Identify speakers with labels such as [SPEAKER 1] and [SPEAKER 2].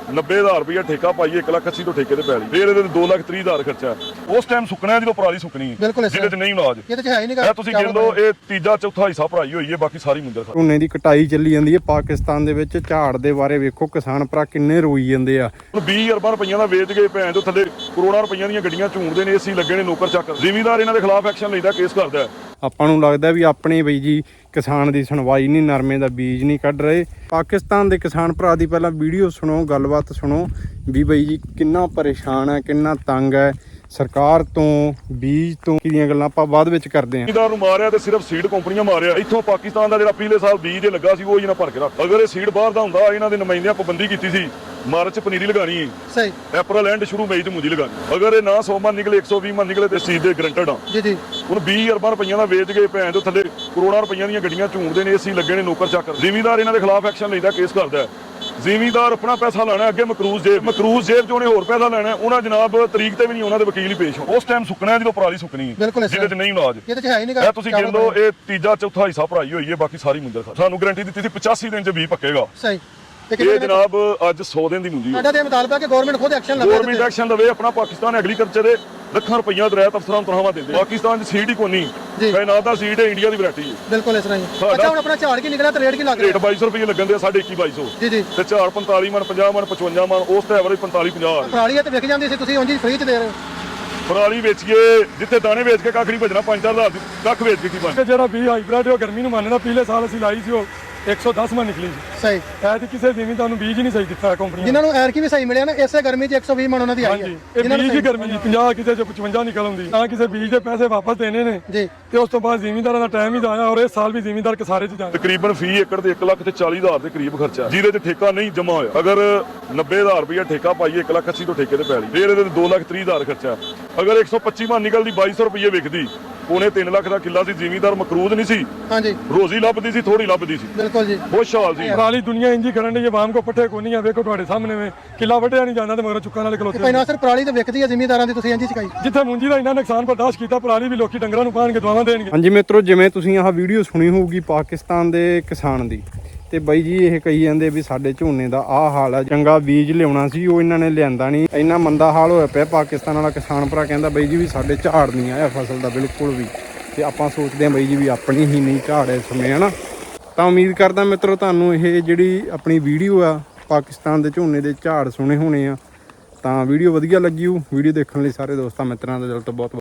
[SPEAKER 1] 90,000 ਰੁਪਇਆ ਠੇਕਾ ਪਾਈਏ 1,80,000 ਤੋਂ ਠੇਕੇ ਤੇ ਪੈ ਲਈ ਫਿਰ ਇਹਦੇ 2,30,000 ਖਰਚਾ ਉਸ ਟਾਈਮ ਸੁੱਕਣਾ ਜਦੋਂ ਪਰਾਲੀ ਸੁੱਕਣੀ ਜਿਹਦੇ ਚ ਨਹੀਂ ਇਲਾਜ
[SPEAKER 2] ਇਹ ਤੇ ਹੈ ਹੀ ਨਹੀਂ
[SPEAKER 1] ਤੁਸੀਂ ਗਿਣ ਲਓ ਇਹ ਤੀਜਾ ਚੌਥਾ ਹਿੱਸਾ ਭਰਾਈ ਹੋਈ ਹੈ ਬਾਕੀ ਸਾਰੀ ਮੁੰਦਰ ਖਾ
[SPEAKER 3] ਝੋਨੇ ਦੀ ਕਟਾਈ ਚੱਲੀ ਜਾਂਦੀ ਹੈ ਪਾਕਿਸਤਾਨ ਦੇ ਵਿੱਚ। ਝਾੜ ਦੇ ਬਾਰੇ ਵੇਖੋ ਕਿਸਾਨ ਭਰਾ ਕਿੰਨੇ ਰੋਈ ਜਾਂਦੇ ਆ।
[SPEAKER 1] 20 ਅਰਬਾਂ ਰੁਪਈਆਂ ਦਾ ਵੇਚ ਕੇ ਭੈਣ ਤੋਂ ਥੱਲੇ ਕਰੋੜਾਂ ਰੁਪਈਆਂ ਦੀਆਂ ਗੱਡੀਆਂ ਝੂੰਡਦੇ ਨੇ ਏਸੀ ਲੱਗੇ ਨੇ ਨੌਕਰ ਚੱਕ ਜ਼ਿਮੀਂਦਾਰ ਇਹਨਾਂ ਦੇ ਖਿਲਾਫ ਐਕਸ਼ਨ ਲੈਂਦਾ ਕੇਸ ਕਰਦਾ।
[SPEAKER 3] ਆਪਾਂ ਨੂੰ ਲੱਗਦਾ ਵੀ ਆਪਣੇ ਬਈ ਜੀ ਕਿਸਾਨ ਦੀ ਸੁਣਵਾਈ ਨਹੀਂ, ਨਰਮੇ ਦਾ ਬੀਜ ਨਹੀਂ ਕੱਢ ਰਹੇ। ਪਾਕਿਸਤਾਨ ਦੇ ਕਿਸਾਨ ਭਰਾ ਦੀ ਪਹਿਲਾਂ ਵੀਡੀਓ ਸੁਣੋ, ਗੱਲਬਾਤ ਸੁਣੋ ਵੀ ਬਈ ਜੀ ਕਿੰਨਾ ਪਰੇਸ਼ਾਨ ਹੈ, ਕਿੰਨਾ ਤੰਗ ਹੈ ਸਰਕਾਰ ਤੋਂ, ਬੀਜ ਤੋਂ। ਕਿਹਦੀਆਂ ਗੱਲਾਂ ਆਪਾਂ ਬਾਅਦ ਵਿੱਚ ਕਰਦੇ ਹਾਂ।
[SPEAKER 1] ਜ਼ਿਮੀਂਦਾਰ ਨੂੰ ਮਾਰਿਆ ਤੇ ਸਿਰਫ ਸੀਡ ਕੰਪਨੀਆਂ ਮਾਰਿਆ। ਇੱਥੋਂ ਪਾਕਿਸਤਾਨ ਦਾ ਜਿਹੜਾ ਪਿਛਲੇ ਸਾਲ ਬੀਜ ਦੇ ਲੱਗਾ ਸੀ ਉਹ ਇਹਨਾਂ ਭਰ ਕੇ ਰੱਖ। ਅਗਰ ਇਹ ਸੀਡ ਬਾਹਰ ਦਾ ਹੁੰਦਾ ਇਹਨਾਂ ਦੇ ਨੁਮਾਇੰਦਿਆਂ ਪਾਬੰਦੀ ਕੀਤੀ ਸੀ ਮਾਰਚ ਚ ਪਨੀਰੀ ਲਗਾਣੀ ਹੈ
[SPEAKER 2] ਸਹੀ,
[SPEAKER 1] ਅਪ੍ਰੈਲ ਐਂਡ ਸ਼ੁਰੂ ਮਈ ਚ ਮੂੰਜੀ ਲਗਾਣੀ। ਅਗਰ ਇਹ ਨਾ 100 ਮਨ ਨਿਕਲੇ 120 ਮਨ ਨਿਕਲੇ ਤੇ ਸੀਡ ਦੇ ਗਰੰਟਡ ਆ
[SPEAKER 2] ਜੀ ਜੀ।
[SPEAKER 1] ਹੁਣ 20 ਅਰਬਾਂ ਰੁਪਈਆਂ ਦਾ ਵੇਚ ਕੇ ਭੈਣ ਤੋਂ ਥੱਲੇ ਕਰੋੜਾਂ ਰੁਪਈਆਂ ਦੀਆਂ ਗੱਡੀਆਂ ਝੂੰਡਦੇ ਨੇ ਏਸੀ ਲੱਗੇ ਨੇ ਨੌਕਰ ਚੱਕ। ਜ਼ਿਮੀਂਦਾਰ ਇਹਨਾਂ ਦੇ ਖਿਲਾਫ ਐਕਸ਼ਨ ਲੈਂਦਾ ਕੇਸ ਕਰਦਾ। ਜ਼ਿਮੀਂਦਾਰ ਆਪਣਾ ਪੈਸਾ ਲੈਣਾ ਅੱਗੇ ਮਕਰੂਜ਼ ਜੇਬ ਚੋਂ ਉਹਨੇ ਹੋਰ ਪੈਸਾ ਲੈਣਾ। ਉਹਨਾਂ ਜਨਾਬ ਤਰੀਕ ਤੇ ਵੀ ਨਹੀਂ ਉਹਨਾਂ ਦੇ ਵਕੀਲ ਹੀ ਪੇਸ਼ ਹੋ। ਉਸ ਟਾਈਮ ਸੁੱਕਣਾ ਜਦੋਂ ਪਰਾਲੀ ਸੁੱਕਣੀ ਜਿਹਦੇ ਚ ਨਹੀਂ ਇਲਾਜ
[SPEAKER 2] ਇਹ ਤੇ ਹੈ ਹੀ ਨਹੀਂ
[SPEAKER 1] ਤੁਸੀਂ ਗਿਣ ਲਓ ਇਹ ਤੀਜਾ ਚੌਥਾ ਹਿੱਸਾ ਭਰਾਈ ਹੋਈ ਹੈ ਬਾਕੀ ਸਾਰੀ ਮੁੰਦਰ ਖਾ। ਸਾਨੂੰ ਗਾਰੰਟੀ ਦਿੱਤੀ ਸੀ 85 ਦਿਨ ਚ 20 ਪੱਕੇਗਾ।
[SPEAKER 2] ਸਹੀ।
[SPEAKER 1] ਇਹ ਜਨਾਬ ਅੱਜ 100 ਦਿਨ ਦੀ ਮੁੰਜੀ
[SPEAKER 2] ਸਾਡਾ ਤੇ ਮੁਤਾਲਬਾ ਕਿ ਗਵਰਨਮੈਂਟ ਖੁਦ ਐਕਸ਼ਨ ਲਵੇ।
[SPEAKER 1] ਗਵਰਨਮੈਂਟ ਐਕਸ਼ਨ ਲਵੇ। ਆਪਣਾ ਪਾਕਿਸਤਾਨ ਐਗਰੀਕਲਚਰ ਦੇ ਲੱਖਾਂ ਰੁਪਈਆ ਦਰਾਇਤ ਅਫਸਰਾਂ ਨੂੰ ਤਨਖਾਹਾਂ ਦਿੰਦੇ। ਪਾਕਿਸਤਾਨ 'ਚ ਸੀਡ ਹੀ ਕੋਈ ਨਹੀਂ, ਕਾਇਨਾਤ ਦਾ ਸੀਡ ਹੈ, ਇੰਡੀਆ ਦੀ ਵੈਰਾਈਟੀ ਹੈ।
[SPEAKER 2] ਬਿਲਕੁਲ ਇਸ ਤਰ੍ਹਾਂ ਹੀ। ਅੱਛਾ ਹੁਣ ਆਪਣਾ ਝਾੜ ਕੀ ਨਿਕਲਿਆ ਤੇ ਰੇਟ ਕੀ ਲੱਗ ਰਿਹਾ?
[SPEAKER 1] ਰੇਟ 2200 ਰੁਪਏ ਲੱਗਣ ਦੇ 21,200
[SPEAKER 2] ਜੀ ਜੀ।
[SPEAKER 1] ਤੇ ਝਾੜ 45 ਮਣ 50 ਮਣ 55 ਮਣ ਉਸ ਤੇ ਐਵਰੇਜ 45-50।
[SPEAKER 2] ਪਰਾਲੀ ਤੇ ਵਿਕ ਜਾਂਦੀ ਸੀ, ਤੁਸੀਂ ਉਂਝ ਹੀ ਫ੍ਰੀ ਚ ਦੇ ਰਹੇ ਹੋ।
[SPEAKER 1] ਪਰਾਲੀ ਵੇਚੀਏ ਜਿੱਥੇ ਦਾਣੇ ਵੇਚ ਕੇ ਕੱਖ ਨਹੀਂ ਭਜਣਾ 5-4 ਹਜ਼ਾਰ ਕੱਖ ਵੇਚ ਕੇ ਕੀ ਬਣ।
[SPEAKER 4] ਜਿਹੜਾ 20 ਹਾਈਬ੍ਰਿਡ ਉਹ ਗਰਮੀ ਨੂੰ ਮੰਨਦਾ। ਪਿਛਲੇ ਸਾਲ ਅਸੀਂ ਲਾਈ ਸੀ ਉਹ 110 ਮਣ ਨਿਕਲੀ ਸੀ।
[SPEAKER 2] ਸਹੀ।
[SPEAKER 4] ਐਤ ਕਿਸੇ ਜ਼ਿਮੀਂਦਾਰ ਨੂੰ ਬੀਜ ਹੀ ਨਹੀਂ ਸਹੀ ਦਿੱਤਾ ਕੰਪਨੀ
[SPEAKER 2] ਜਿਨ੍ਹਾਂ ਨੂੰ ਐਰਕੀ ਵੀ ਸਹੀ ਮਿਲਿਆ ਨਾ ਇਸੇ ਗਰਮੀ 'ਚ 120 ਮਣ ਉਹਨਾਂ ਦੀ ਆਈ ਹੈ।
[SPEAKER 4] ਇਹ ਬੀਜ ਦੀ ਗਰਮੀ 50 ਕਿਸੇ ਚ 55 ਨਿਕਲ ਆਉਂਦੀ ਨਾ। ਕਿਸੇ ਬੀਜ ਦੇ ਪੈਸੇ ਵਾਪਸ ਦੇਣੇ ਨੇ
[SPEAKER 2] ਜੀ
[SPEAKER 4] ਤੇ ਉਸ ਤੋਂ ਬਾਅਦ ਜ਼ਿਮੀਂਦਾਰਾਂ ਦਾ ਟਾਈਮ ਹੀ ਜਾਇਆ। ਔਰ ਇਸ ਸਾਲ ਵੀ ਜ਼ਿਮੀਂਦਾਰ ਕਿਸਾਰੇ ਚ ਜਾਣਾ।
[SPEAKER 1] ਤਕਰੀਬਨ ਫੀ ਏਕੜ ਤੇ 1,40,000 ਦੇ ਕਰੀਬ ਖਰਚਾ ਜਿਹਦੇ ਚ ਠੇਕਾ ਨਹੀਂ ਜਮਾ ਹੋਇਆ। ਅਗਰ 90,000 ਰੁਪਇਆ ਠੇਕਾ ਪਾਈਏ 1,80,000 ਤੋਂ ਠੇਕੇ ਤੇ ਪੈ ਲਈ ਫਿਰ ਇਹਦੇ 2,30,000 ਖਰਚਾ। ਅਗਰ 125 ਮਣ ਨਿਕਲਦੀ 2200 ਰੁਪਏ ਵਿਕਦੀ। ਉਹਨੇ 3 ਲੱਖ ਦਾ ਕਿੱਲਾ ਸੀ। ਜ਼ਿਮੀਂਦਾਰ ਮਕਰੂਦ ਨਹੀਂ ਸੀ,
[SPEAKER 2] ਹਾਂਜੀ
[SPEAKER 1] ਰੋਜ਼ੀ ਲੱਭਦੀ ਸੀ, ਥੋੜੀ ਲੱਭਦੀ ਸੀ।
[SPEAKER 2] ਬਿਲਕੁਲ ਜੀ।
[SPEAKER 1] ਖੁਸ਼ਹਾਲ ਸੀ।
[SPEAKER 4] ਪਰਾਲੀ ਦੁਨੀਆ ਇੰਜੀ ਕਰਨ ਦੀ ਆਵਾਮ ਕੋ ਪੱਠੇ ਕੋਈ ਨਹੀਂ ਆ। ਵੇਖੋ ਤੁਹਾਡੇ ਸਾਹਮਣੇ ਵੇ ਕਿੱਲਾ ਵੱਢਿਆ ਨਹੀਂ ਜਾਂਦਾ ਤੇ ਮਗਰ ਚੁੱਕਾਂ ਨਾਲ ਖਲੋਤੇ।
[SPEAKER 2] ਪਹਿਲਾਂ ਸਿਰ ਪਰਾਲੀ ਤੇ ਵਿਕਦੀ ਹੈ ਜ਼ਿਮੀਂਦਾਰਾਂ ਦੀ, ਤੁਸੀਂ ਇੰਝ ਚਕਾਈ।
[SPEAKER 4] ਜਿੱਥੇ ਮੁੰਜੀ ਦਾ ਇੰਨਾ ਨੁਕਸਾਨ ਬਰਦਾਸ਼ਤ ਕੀਤਾ ਪਰਾਲੀ ਵੀ ਲੋਕੀ ਡੰਗਰਾਂ ਨੂੰ ਪਾਣਗੇ, ਦਵਾਵਾਂ ਦੇਣਗੇ।
[SPEAKER 3] ਹਾਂਜੀ ਮਿੱਤਰੋ, ਜਿਵੇਂ ਤੁਸੀਂ ਆਹ ਵੀਡੀਓ ਸੁਣੀ ਹੋਊਗੀ ਪਾਕਿਸਤਾਨ ਦੇ ਕਿਸਾਨ ਦੀ, ਤੇ ਬਾਈ ਜੀ ਇਹ ਕਹੀ ਜਾਂਦੇ ਵੀ ਸਾਡੇ ਝੋਨੇ ਦਾ ਆਹ ਹਾਲ ਆ। ਚੰਗਾ ਬੀਜ ਲਿਆਉਣਾ ਸੀ ਉਹ ਇਹਨਾਂ ਨੇ ਲਿਆਂਦਾ ਨਹੀਂ। ਇੰਨਾ ਮੰਦਾ ਹਾਲ ਹੋਇਆ ਪਿਆ। ਪਾਕਿਸਤਾਨ ਵਾਲਾ ਕਿਸਾਨ ਭਰਾ ਕਹਿੰਦਾ ਬਾਈ ਜੀ ਵੀ ਸਾਡੇ ਝਾੜ ਨਹੀਂ ਆਇਆ ਫਸਲ ਦਾ ਬਿਲਕੁਲ ਵੀ। ਤੇ ਆਪਾਂ ਸੋਚਦੇ ਹਾਂ ਬਾਈ ਜੀ ਵੀ ਆਪਣੀ ਹੀ ਨਹੀਂ ਝਾੜ ਇਸ ਸਮੇਂ, ਹਨਾ। ਤਾਂ ਉਮੀਦ ਕਰਦਾ ਮਿੱਤਰੋ ਤੁਹਾਨੂੰ ਇਹ ਜਿਹੜੀ ਆਪਣੀ ਵੀਡੀਓ ਆ ਪਾਕਿਸਤਾਨ ਦੇ ਝੋਨੇ ਦੇ ਝਾੜ ਸੁਣੇ ਹੋਣੇ ਆ, ਤਾਂ ਵੀਡੀਓ ਵਧੀਆ ਲੱਗੀ ਹੋ। ਵੀਡੀਓ ਦੇਖਣ ਲਈ ਸਾਰੇ ਦੋਸਤਾਂ ਮਿੱਤਰਾਂ ਦਾ ਦਿਲ ਤੋਂ ਬਹੁਤ